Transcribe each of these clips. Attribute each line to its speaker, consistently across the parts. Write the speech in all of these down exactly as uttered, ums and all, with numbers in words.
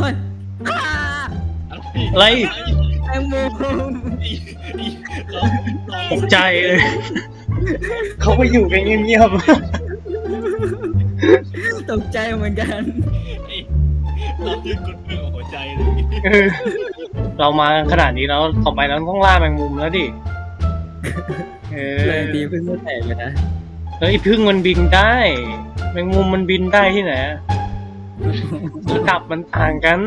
Speaker 1: ฮ้ย
Speaker 2: อะไร
Speaker 1: แมงมุม
Speaker 2: ตกใจเลยเขาไปอยู่กันเงียบ
Speaker 1: ตกใจเหมือนกัน
Speaker 3: เรายืนกดมือของหัวใจเลย
Speaker 2: ๆเรามาขนาดนี้แล้วต่อไปเราต้องล่าแมงมุมแล้วดิเออ
Speaker 1: เลยตีพึ่งไม่แตกเลยนะ
Speaker 2: เฮ้ยพึ่งมันบินได้แมงมุมมันบินได้ที่ไหนระดับมันต่างกัน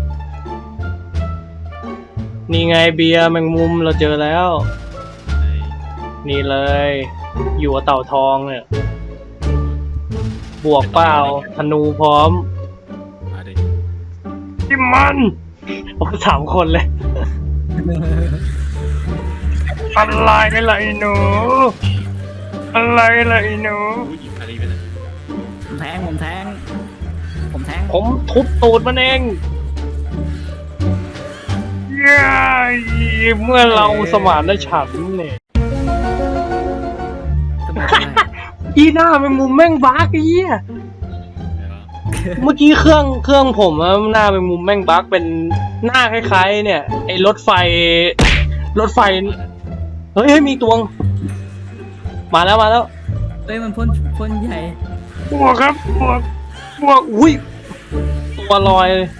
Speaker 2: นี่ไงเบียร์แมงมุมเราเจอแล้วนี่เลยอยู่กับเต่าทองเนี่ยบวกเปล่าธนูพร้อม
Speaker 3: มาดิ
Speaker 2: ที่มันโอ้สามคนเลยอะไรกันล่ะไอ้หนูอะไรล่ะไอ้หนู
Speaker 3: อู้หยิบอะไรไปนะ
Speaker 1: ผมแทงผมแทงผมแทง
Speaker 2: ผมทุบตูดมันเองย้ายเมื่อเราสมานได้ฉันเนี่ย
Speaker 1: ทำไมทำไม
Speaker 2: อีหน้าแมงมุมแม่งบั๊กไอ้เหี้ยเมื่อกี้เครื่องเครื่องผมอะหน้าแมงมุมแม่งบั๊กเป็นหน้าคล้ายๆเนี่ยไอ้รถไฟรถไฟเฮ้ยเฮ้ยมีตวงมาแล้วมาแล้ว
Speaker 1: เฮ้ยมันพ่นพ่นใหญ่
Speaker 2: บวกครับบวกบวกอุ้ยตัวลอยเลย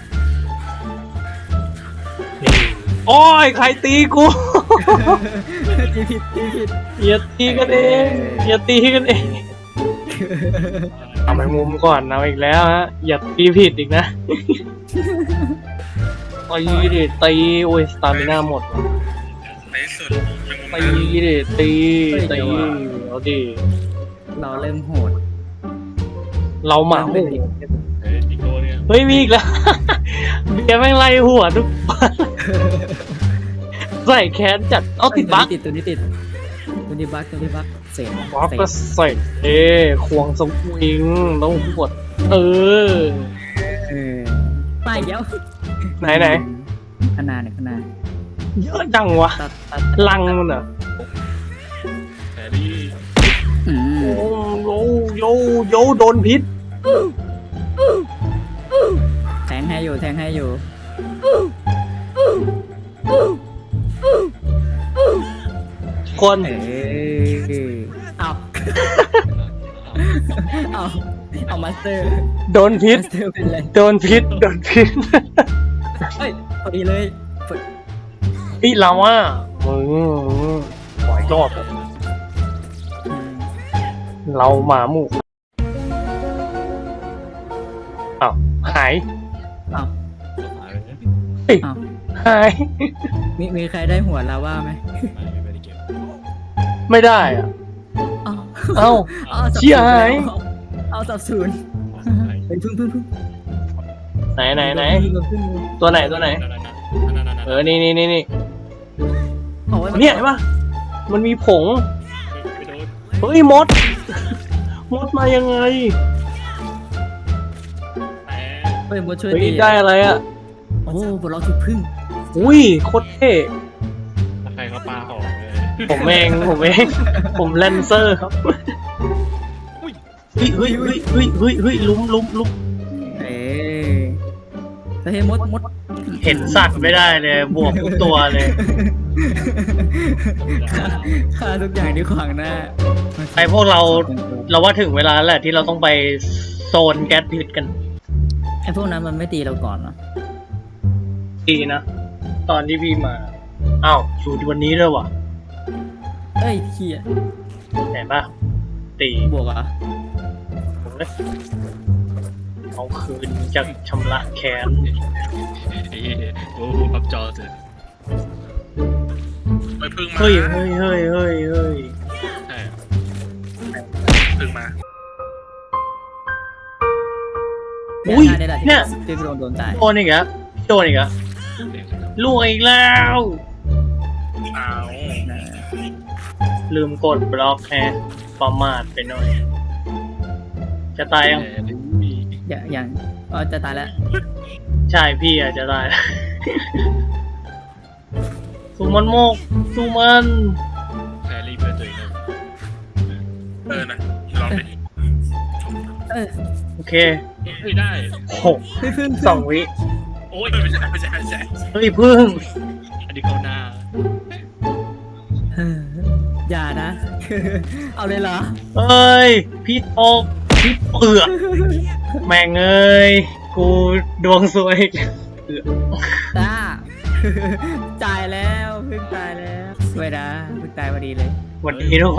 Speaker 2: โอ้ยใครตีกู
Speaker 1: ตีผิดตีผิด
Speaker 2: อย่าตีกันเองอย่าตีกันเองเอาไปมุมก่อนเอาอีกแล้วฮะอย่าตีผิดอีกนะตีดิตีโอ้ยสตามิน่าหมด
Speaker 3: ในสุด
Speaker 2: ตีดิตีตีเอาดิ
Speaker 1: เราเริ่มโหด
Speaker 2: เราหมาหมู่
Speaker 3: เฮ้ยอีกตัวเนี่ย
Speaker 2: เฮ้ยมีอีกแล้ว เบียร์แม่งไล่หัวทุกวันใส่แขนจัดเอาติดบั๊ก
Speaker 1: ติดตัวนี้ติดตัวนี้บั๊กตัวนี้บั๊กเสร็จ
Speaker 2: บั๊กก็ใส่เอ้ควงสวิงต้องหวดเออ
Speaker 1: เออไปเดี๋ยว
Speaker 2: ไหนไหน
Speaker 1: ขนาดเนี่ยขนาด
Speaker 2: เยอะจังวะ
Speaker 1: ตัดตัด
Speaker 2: ลังมันอ่ะ
Speaker 3: แฮร์รี่
Speaker 1: อื
Speaker 2: โอ้
Speaker 1: ม
Speaker 2: โยโยโยโดนพิษ
Speaker 1: แทงให้อยู่แทงให้อยู่
Speaker 2: คน
Speaker 1: เออเอาเอาเอามาสเตอร์
Speaker 2: โดนพิษ
Speaker 1: มาสเตอร์เป็นไร
Speaker 2: โดนพิษโดนพิษ
Speaker 1: เฮ้ยพอดีเลย
Speaker 2: พี่เราอ่ะมึงหอยรอบ
Speaker 1: อืม
Speaker 2: เราหมาหมู่อ้าวหาย
Speaker 1: เอา
Speaker 3: หายไปเนี่ย
Speaker 2: เฮ้ย
Speaker 1: เอา
Speaker 2: หาย
Speaker 1: มีมีใครได้หัวลาว่าไหม
Speaker 3: ไม่ไม่ได้เก็บ
Speaker 2: ไม่ได้อ่ะ
Speaker 1: เอา
Speaker 2: เอ้า
Speaker 1: เอาสับ
Speaker 2: เชี่ยหาย
Speaker 1: เอาสับศูนย์เฮ้ยพึ่งพึ่งพึ่ง
Speaker 2: ไหนไหนไหน
Speaker 1: พึ่งพึ่ง
Speaker 2: ตัวไหนตัวไหน เออ นี่นี่นี่นี่
Speaker 1: เอาไว้
Speaker 2: เนี่ยเห็นปะมันมีผง
Speaker 3: ไปโดน
Speaker 2: เฮ้ยมด มดมายังไง
Speaker 3: แหม
Speaker 1: เฮ้ยบดช่วย
Speaker 2: เฮ้ย
Speaker 1: ตี
Speaker 2: ได้อะไรอ่ะ
Speaker 1: โอ้บดล็อกถูกพึ่ง
Speaker 2: อุ้ยโคตรเท่
Speaker 3: ใครเขาปาหอมเลย
Speaker 2: ผมเองผมเอง ผมแลนเซอร์ครับเฮ้ยเฮ้ยเฮ้ยเฮ้ยเฮ้ยเฮ้ยลุ้มลุ้มลุ้ม
Speaker 1: เอ้ยเฮ้ยมดมด
Speaker 2: เห็นสัตว์ไม่ได้เลยบวกทุกตัวเลย
Speaker 1: ฆ่าทุกอย่างที่ขวางหน้า
Speaker 2: ไอพวกเราเราว่าถึงเวลาแล้วแหละที่เราต้องไปโซนแก๊สพิษกัน
Speaker 1: ไอ้พวกนั้นมันไม่ตีเราก่อนเหรอ
Speaker 2: ดีนะ ตอนที่พี่มาอ้าวอยู่ที่วันนี้ด้วยวะ
Speaker 1: เอ้ยเฮีย
Speaker 2: เห็นปะตี
Speaker 1: บวกเหรอ่ะ
Speaker 2: เอาคืนจะชำระแค้น
Speaker 3: โอ้โหปับจอเสร็จไปพึ่งมา
Speaker 2: เฮ้ยเฮ้ยเฮ้ยเฮ้ยเฮ้ย
Speaker 3: ใช่พึ่งมา
Speaker 2: อุ้ย
Speaker 1: เนี่ย
Speaker 2: เนี่ย
Speaker 1: ที่โดนโดนตาย
Speaker 2: โดนอีกแล้วโดนอีกแล้วลูกอีกแล้ว
Speaker 3: เอา
Speaker 2: ลืมกดบล็อกแฮะประมาทไปหน่อย จะตายยัง
Speaker 1: อย่างอย่างอ๋อจะตายแล้ว
Speaker 2: ใช่พี่อาจจะตายแล้ว สู้มันโมกสู้มัน
Speaker 3: แฮร์รี่เพื่อนตัวเองเออนะลองดิ
Speaker 1: เออ
Speaker 2: โอเค
Speaker 3: เฮ้ยได้
Speaker 2: หก
Speaker 1: เฮ้ยพึ่ง
Speaker 2: สองวิ
Speaker 3: โโอ้ยไม่ใช่ไม่ใช่ไม่ใช่
Speaker 2: เฮ้ยพึ่ง
Speaker 3: อันนี้เขาหน้า
Speaker 1: เอออย่านะ เอาเลยเหรอ
Speaker 2: เอ้ยพี่ตกพี่เปือกแม่งเอ้ยกูดวงซวยเอือก
Speaker 1: จ้า จ่ายแล้วเพิ่งตายแล้วสวยนะเพิ่งตายพอดีเลย
Speaker 2: สวัสดีทุกคน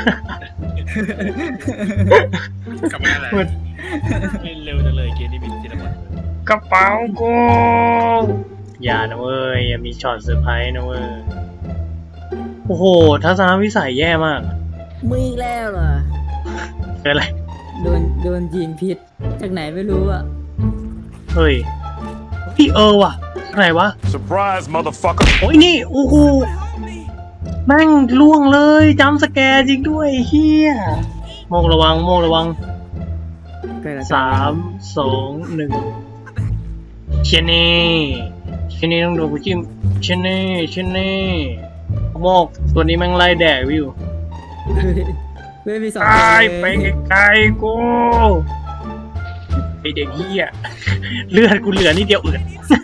Speaker 3: กลับมาอะไร
Speaker 2: สวัส
Speaker 3: เล่นเร็วจังเลยเกมนี้มีทีละบท
Speaker 2: กระเป๋ากูอย่านะเว้ยอย่ามีช็อตเซอร์ไพรส์นะเว้ยโอ้โหทัศนวิสัยแย่มาก
Speaker 1: มึงอีกแล้วเหรอ
Speaker 2: เป็นอะไร
Speaker 1: โดนโดนยิงพิษจากไหนไม่รู้อ่ะ
Speaker 2: เฮ้ยพี่เออว่ะอะไรวะ
Speaker 4: Surprise, motherfucker.
Speaker 2: โอ้ยนี่โอ้โหแม่งล่วงเลยจำสแกร์จริงด้วยเฮียโมงระวังโมงระวัง
Speaker 1: เกิดอะไร
Speaker 2: สามสองหนึ่งเชนนี่เชนนี่ต้องโดนกูจิ้มเชนนี่เชนนี่โมกตัวนี้แม่งไล่แดกวิว
Speaker 1: เว้ยมีสอง
Speaker 2: ตาย
Speaker 1: คน
Speaker 2: ไป
Speaker 1: เลย
Speaker 2: ไกลๆกูไอเด็กเฮียเลือดกูเหลือนิดเดียวเอือด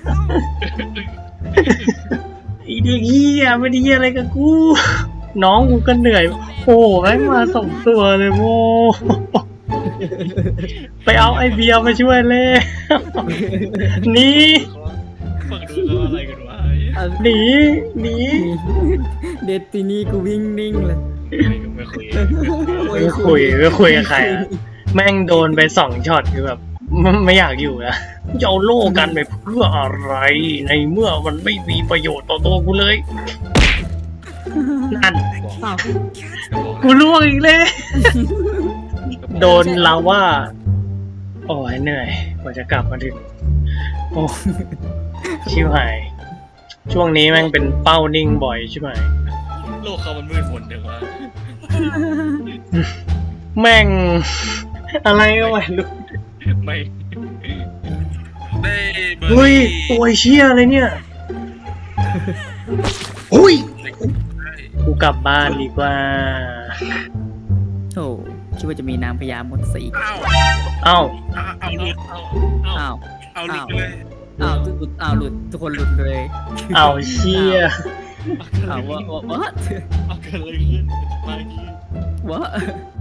Speaker 2: ไอเด็กเฮียไม่ได้เฮียอะไรกับกู น้องกูก็เหนื่อยโอ้แม่งมาสองตัวเลยโม ไปเอาไอเบียร์มาช่วยเลย หนี
Speaker 3: ฟังดูแล้วอะไรกันวะ
Speaker 1: เอา
Speaker 2: หนีหนี
Speaker 1: เดดตินี่กูวิ่งนิ่งเลย
Speaker 3: ไม่คุย
Speaker 2: ไม่คุยไม่คุยกับใครอะแม่งโดนไปสองช็อตคือแบบไม่ไม่อยากอยู่นะจะเอาโล่กันไปเพื่ออะไร ในเมื่อมันไม่มีประโยชน์ต่อตัวกูเลย นั่น
Speaker 1: อ้าว
Speaker 2: กูล่วงอีกเลย โดนลาว่า โอ้ยเหนื่อยกว่าจะกลับมาถึง โอ้ชิวหาย ช่วงนี้แม่งเป็นเป้านิ่งบ่อยใช่ไหม
Speaker 3: โลกเขามันมืดมนเดี๋ยวว่า
Speaker 2: แม่ง อะไรก็ไม่รู้
Speaker 3: ไม่ได้เบอร์
Speaker 2: เฮ้ยตัวเชี่ยอะไรเนี่ยอุ้ย กูกลับบ้านดีกว่า
Speaker 1: โอ้คิดว่าจะมีนางพญาหมดสี
Speaker 3: อ้าว
Speaker 2: เอ้า
Speaker 3: เอาหลุดเอาเอา
Speaker 1: อ้าว
Speaker 3: เอาหลุดไปเลย
Speaker 1: อ้าวทุกอ้าวหลุดทุกคนหลุดเลย
Speaker 2: เอาเชี่ย
Speaker 1: อ้าวว่าว่า
Speaker 3: เอาเกิดอะไรขึ้นมาที่
Speaker 1: ว่า